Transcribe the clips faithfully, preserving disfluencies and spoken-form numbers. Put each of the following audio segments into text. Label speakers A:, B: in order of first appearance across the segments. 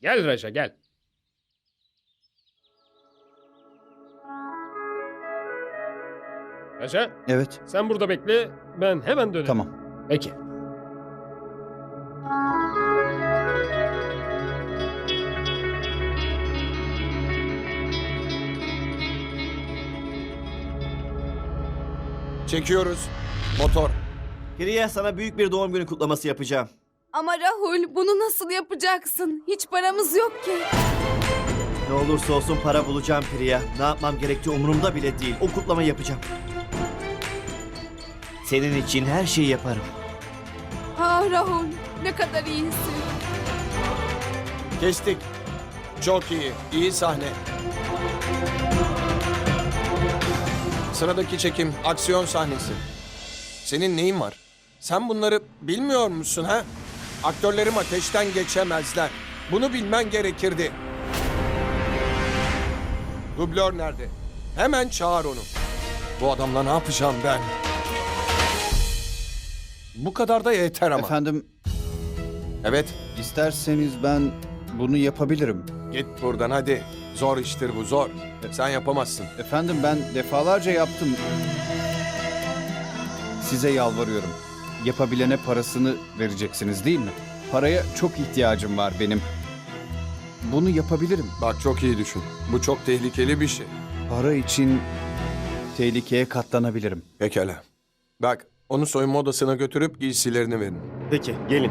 A: Gel Raja gel. Raja
B: Evet,
A: sen burada bekle. Ben hemen dönerim.
B: tamam.
A: Peki.
C: Çekiyoruz. Motor.
D: Priya, sana büyük bir doğum günü kutlaması yapacağım.
E: Ama Rahul, bunu nasıl yapacaksın? Hiç paramız yok ki.
D: Ne olursa olsun para bulacağım Priya. Ne yapmam gerektiği umurumda bile değil. O kutlamayı yapacağım. Senin için her şeyi yaparım.
E: Ah Rahul, ne kadar iyisin.
C: Kestik. Çok iyi. İyi sahne. Sıradaki çekim aksiyon sahnesi. Senin neyin var? Sen bunları bilmiyor musun ha? Aktörlerim ateşten geçemezler. Bunu bilmen gerekirdi. Dublör nerede? Hemen çağır onu. Bu adamla ne yapacağım ben? Bu kadar da yeter ama.
B: Efendim,
C: Evet,
B: isterseniz ben bunu yapabilirim.
C: git buradan hadi. Zor iştir bu, zor. Sen yapamazsın.
B: Efendim, ben defalarca yaptım. Size yalvarıyorum. Yapabilene parasını vereceksiniz değil mi? Paraya çok ihtiyacım var benim. Bunu yapabilirim.
C: Bak çok iyi düşün. Bu çok tehlikeli bir şey.
B: Para için tehlikeye katlanabilirim.
C: Pekala. Bak, onu soyunma odasına götürüp giysilerini verin.
D: Peki, gelin.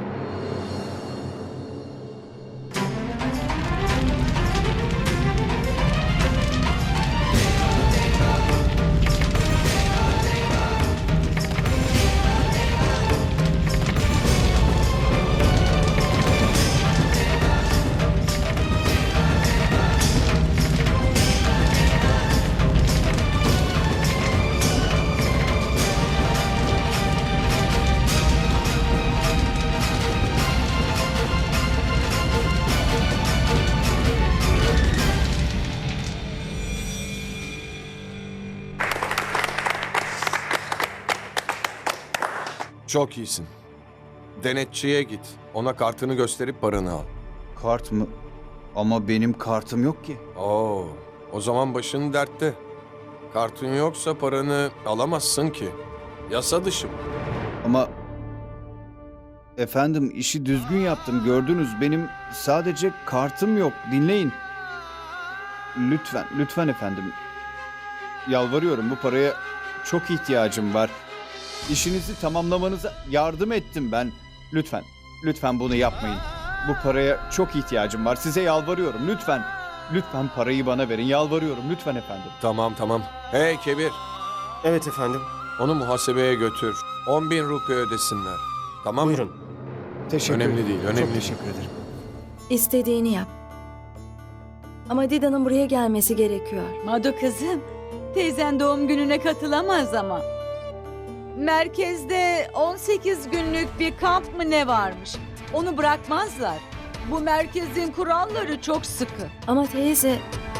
C: Çok iyisin. Denetçiye git. Ona kartını gösterip paranı al.
B: Kart mı? Ama benim kartım yok ki.
C: Oo, o zaman başın dertte. Kartın yoksa paranı alamazsın ki. Yasa dışı bu.
B: Ama efendim, işi düzgün yaptım, gördünüz. Benim sadece kartım yok. Dinleyin. Lütfen, lütfen efendim. Yalvarıyorum, bu paraya çok ihtiyacım var. İşinizi tamamlamanıza yardım ettim ben. Lütfen, lütfen bunu yapmayın. Bu paraya çok ihtiyacım var. Size yalvarıyorum, lütfen. Lütfen parayı bana verin, yalvarıyorum. Lütfen efendim.
C: Tamam tamam. Hey Kebir,
D: Evet efendim.
C: onu muhasebeye götür. On bin rupi ödesinler. Tamam mı?
D: Buyurun.
B: Teşekkür
C: Önemli
B: ederim.
C: değil, önemli
B: Çok
C: değil.
B: teşekkür ederim.
F: İstediğini yap. Ama Dida'nın buraya gelmesi gerekiyor.
G: Madu kızım, teyzen doğum gününe katılamaz ama. Merkezde on sekiz günlük bir kamp mı ne varmış? Onu bırakmazlar. Bu merkezin kuralları çok sıkı.
F: Ama teyze...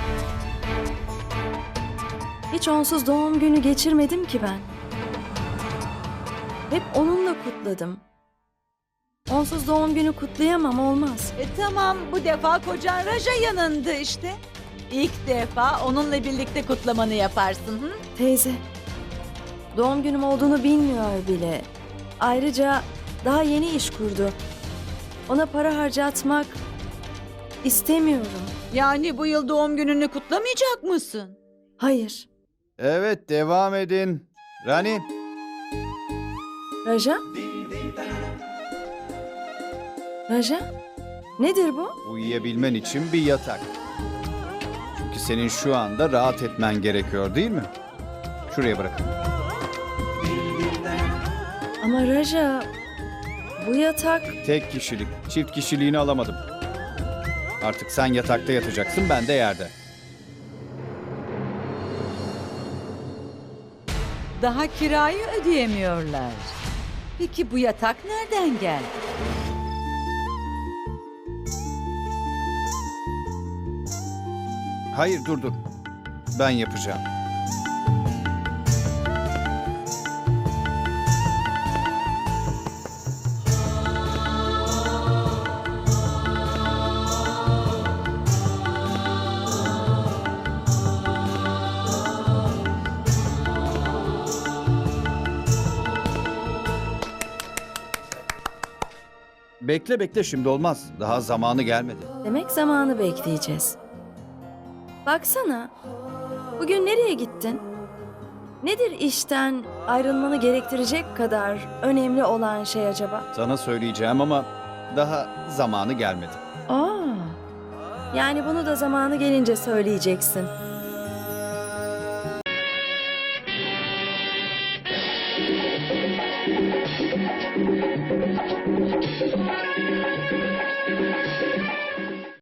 F: Hiç onsuz doğum günü geçirmedim ki ben. Hep onunla kutladım. Onsuz doğum günü kutlayamam, olmaz.
G: E tamam, bu defa kocan Raja yanında işte. İlk defa onunla birlikte kutlamanı yaparsın. Hı?
F: Teyze, doğum günüm olduğunu bilmiyor bile. Ayrıca daha yeni iş kurdu. Ona para harcatmak istemiyorum.
G: Yani bu yıl doğum gününü kutlamayacak mısın?
F: Hayır.
B: Evet, devam edin. Rani,
F: Raja? Raja? Nedir bu?
B: uyuyabilmen için bir yatak. Çünkü senin şu anda rahat etmen gerekiyor, değil mi? Şuraya bırakın.
F: Ama Raja, bu yatak...
B: Tek kişilik, çift kişiliğini alamadım. Artık sen yatakta yatacaksın, ben de yerde.
G: Daha kirayı ödeyemiyorlar. Peki bu yatak nereden geldi?
B: Hayır, dur dur. Ben yapacağım. Bekle bekle, şimdi olmaz. Daha zamanı gelmedi.
F: Demek zamanı bekleyeceğiz. Baksana. Bugün nereye gittin? Nedir işten ayrılmanı gerektirecek kadar önemli olan şey acaba?
B: Sana söyleyeceğim ama daha zamanı gelmedi.
F: Aa. Yani bunu da zamanı gelince söyleyeceksin.